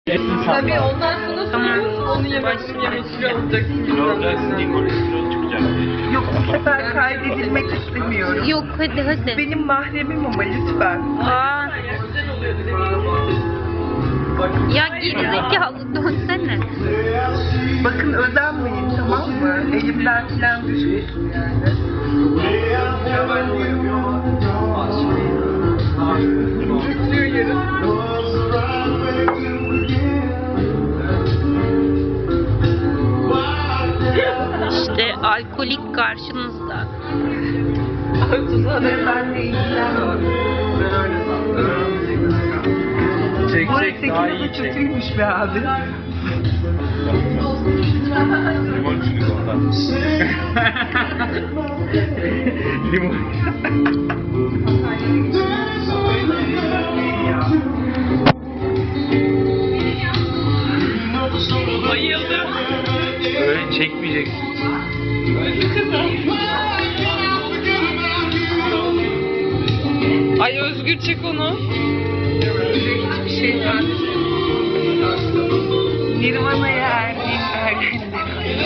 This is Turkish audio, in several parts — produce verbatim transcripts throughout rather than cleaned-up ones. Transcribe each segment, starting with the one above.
Tabii ondan sonra Tamam. onu yemek için yemek kilo alacaksın. Kilo olacaksın diye kolesterol çıkacak diye. Yok, bu sefer kaydedilmek istemiyorum. Yok hadi hadi. Benim mahremim ama lütfen. Aa. Ya gerizekalı dönsene. Bakın özenmeyin, tamam mı? Elimden falan düşmesin yani. Tutuyor yarın. İşte alkolik karşınızda. Ve benle ilgilenmiyorum. Ben öyle sandım. Çek Bu çek daha iyi arada çek. kötüymüş be abi. Limon içiniz ondan. Limon. Bayıldım. Öyle çekmeyeceksin. Ay Özgür çek onu. Hiçbir şey var. Nirvana'ya erdiğim ergenlik.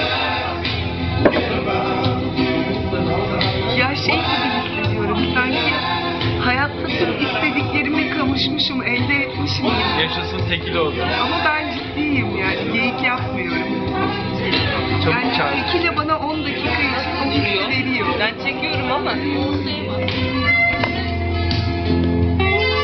Ya şey gibi hissediyorum, sanki hayatta tüm istediklerime kavuşmuşum, elde etmişim gibi. Yaşasın tekil oldu. Ama ben ciddiyim yani, geyik yapmıyorum. Çabuk Yani çağır. tekile bana on dakika için o hissi veriyor. Ben çekiyorum ama.